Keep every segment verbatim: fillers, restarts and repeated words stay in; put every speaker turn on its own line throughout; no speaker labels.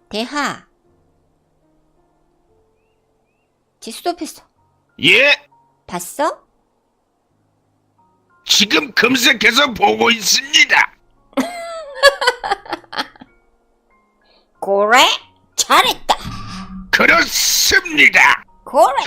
대하. 지 스톱했어.
예,
봤어?
지금 검색해서 보고 있습니다.
그래? 잘했다.
그렇습니다.
그래.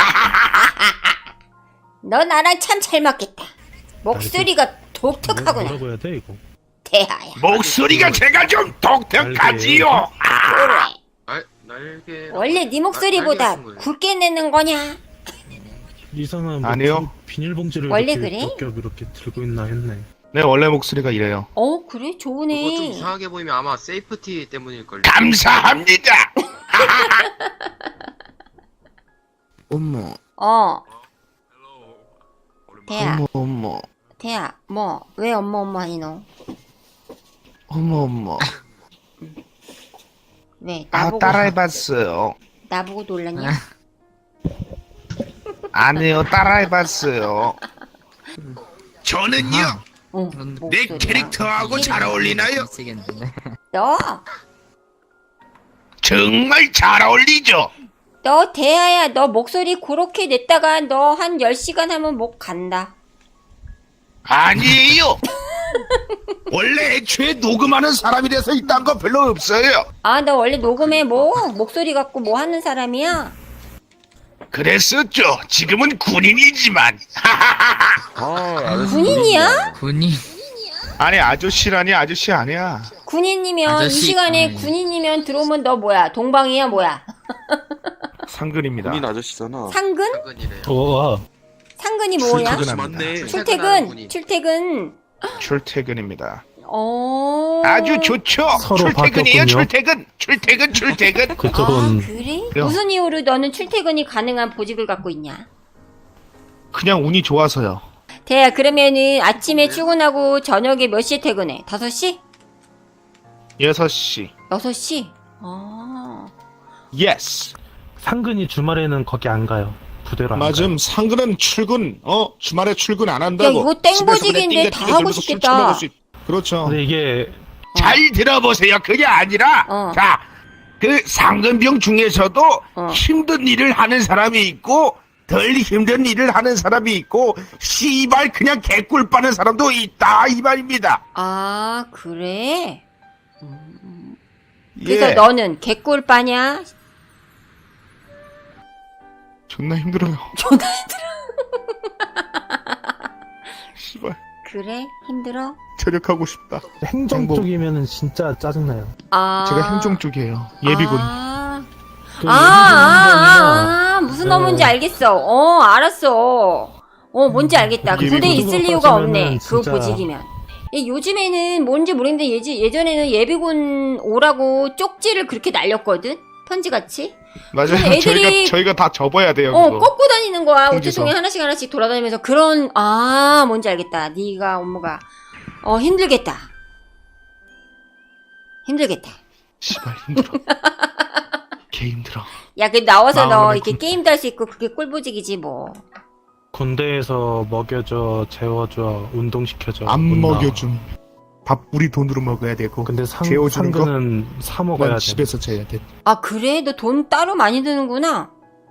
너 나랑 참 잘 맞겠다. 목소리가 독특하구나.
뭐라고 해야 돼 이거?
대하야.
목소리가 제가 좀 독특하지요.
그래.
날 날개.
원래 네 목소리보다 굵게 내는 거냐?
이상한 뭐
아니요.
비- 비닐봉지를
원래
이렇게
그래?
몇 겹 이렇게 들고 있나 했네.
네, 원래 목소리가 이래요.
어 그래?
그거 좀
좋으네.
이상하게 보이면 아마 세이프티 때문일걸요.
감사합니다.
어머,
어. 대하.
어머, 어머,
대하. 뭐? 왜 엄마 엄마 하니 너?
어머, 어머.
왜?
아,
나보고
따라해봤어요.
나보고 놀랐냐?
아니요, 따라해봤어요. 저는요,
어.
내
목소리가.
캐릭터하고 잘 어울리나요?
너?
정말 잘 어울리죠?
너 대하야. 너 목소리 그렇게 냈다가 너 한 열 시간 하면 목 간다.
아니에요. 원래 애초에 녹음하는 사람이라서 이딴 거 별로 없어요.
아, 너 원래 녹음해 뭐? 목소리 갖고 뭐 하는 사람이야?
그랬었죠. 지금은 군인이지만.
군인이야?
군인
아니, 아저씨라니 아저씨 아니야.
군인이면 이
아저씨,
시간에
음.
군인이면 들어오면 너 뭐야? 동방이야 뭐야?
상근입니다.
군인 아저씨잖아.
상근?
퇴근이래요.
와,
상근이 뭐야?
출퇴근합니다.
출퇴근. 출퇴근.
출퇴근입니다.
어.
아주 좋죠.
서로
출퇴근이에요.
바뀌었군요.
출퇴근. 출퇴근. 출퇴근.
아,
그쪽은
그래?
그래요.
무슨 이유로 너는 출퇴근이 가능한 보직을 갖고 있냐?
그냥 운이 좋아서요.
대야, 그러면은 아침에 출근하고 저녁에 몇 시에 퇴근해? 다섯 시?
여섯 시.
여섯 시? 아.
예스.
상근이 주말에는 거기 안 가요. 부대로 안 가요.
맞음. 상근은 출근. 어, 주말에 출근 안 한다고.
야, 이거 땡보직인데
집에서 그냥 띵가띵가
다 하고
돌면서 술
싶겠다.
처먹을 수 있- 그렇죠.
근데 이게
잘 들어보세요. 그게 아니라,
어.
자, 그 상근병 중에서도
어.
힘든 일을 하는 사람이 있고, 덜 힘든 일을 하는 사람이 있고, 씨발 그냥 개꿀 빠는 사람도 있다 이 말입니다.
아, 그래? 그래서
예.
너는 개꿀빠냐?
존나 힘들어요.
존나
씨발
그래? 힘들어?
저력하고 싶다.
행정
행복.
쪽이면은 진짜 짜증나요.
아.
제가 행정 쪽이에요. 예비군.
아,
그
아, 아, 아, 무슨
네.
어문지 알겠어. 어, 알았어. 어, 뭔지 알겠다.
예비군.
군대에 있을
예비군
이유가
빠지면은
없네. 그
진짜-
보직이면. 예, 요즘에는 뭔지 모르겠는데 예지, 예전에는 예비군 오라고 쪽지를 그렇게 날렸거든? 편지같이?
맞아요.
근데 애들이-
저희가 저희가 다 접어야 돼요.
어,
그거.
꺾고 다니는 거야.
통지서.
우체통에 하나씩 하나씩 돌아다니면서 그런, 아, 뭔지 알겠다. 네가 업무가, 어, 힘들겠다. 힘들겠다.
씨발 힘들어. 개 힘들어.
야, 그 나와서 너
마음을
이렇게
군-
게임도 할 수 있고 그게 꿀보직이지 뭐.
군대에서 먹여줘, 재워줘, 운동시켜줘.
안
못 나와.
먹여줌. 밥 우리 돈으로 먹어야 되고.
근데 상,
재워주는 거?
상근은 사 먹어야
난
돼.
집에서 재야 돼.
아, 그래? 너 돈 따로 많이 드는구나.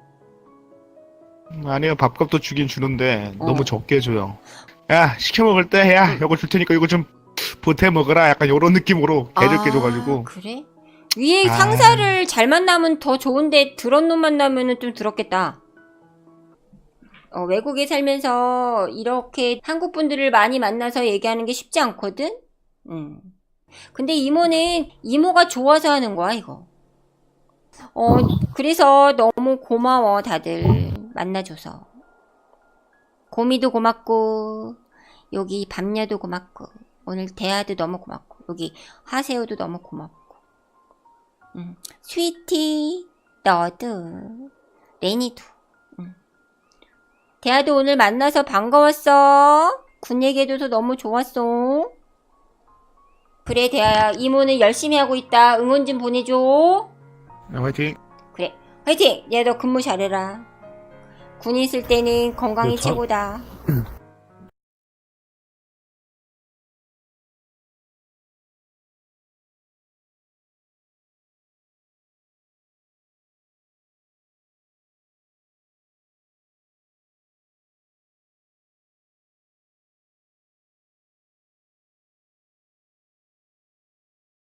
음, 아니요, 밥값도 주긴 주는데
어.
너무 적게 줘요. 야, 시켜 먹을 때 야, 이거 줄 테니까 이거 좀 보태 먹어라. 약간 이런 느낌으로 개적게
아,
줘가지고.
그래? 위에
아.
상사를 잘 만나면 더 좋은데 드런 놈 만나면은 좀 더럽겠다. 어, 외국에 살면서 이렇게 한국 분들을 많이 만나서 얘기하는 게 쉽지 않거든? 음. 근데 이모는 이모가 좋아서 하는 거야, 이거. 어, 그래서 너무 고마워, 다들. 만나줘서. 고미도 고맙고, 여기 밤야도 고맙고, 오늘 대하도 너무 고맙고, 여기 하세요도 너무 고맙고. 음. 스위티, 너도, 레니도. 음. 대하도 오늘 만나서 반가웠어. 군 얘기해줘서 너무 좋았어. 그래, 대하야. 이모는 열심히 하고 있다. 응원 좀 보내줘.
야, 화이팅.
그래, 화이팅! 야, 너 근무 잘해라. 군인 있을 때는 건강이
네, 저-
최고다.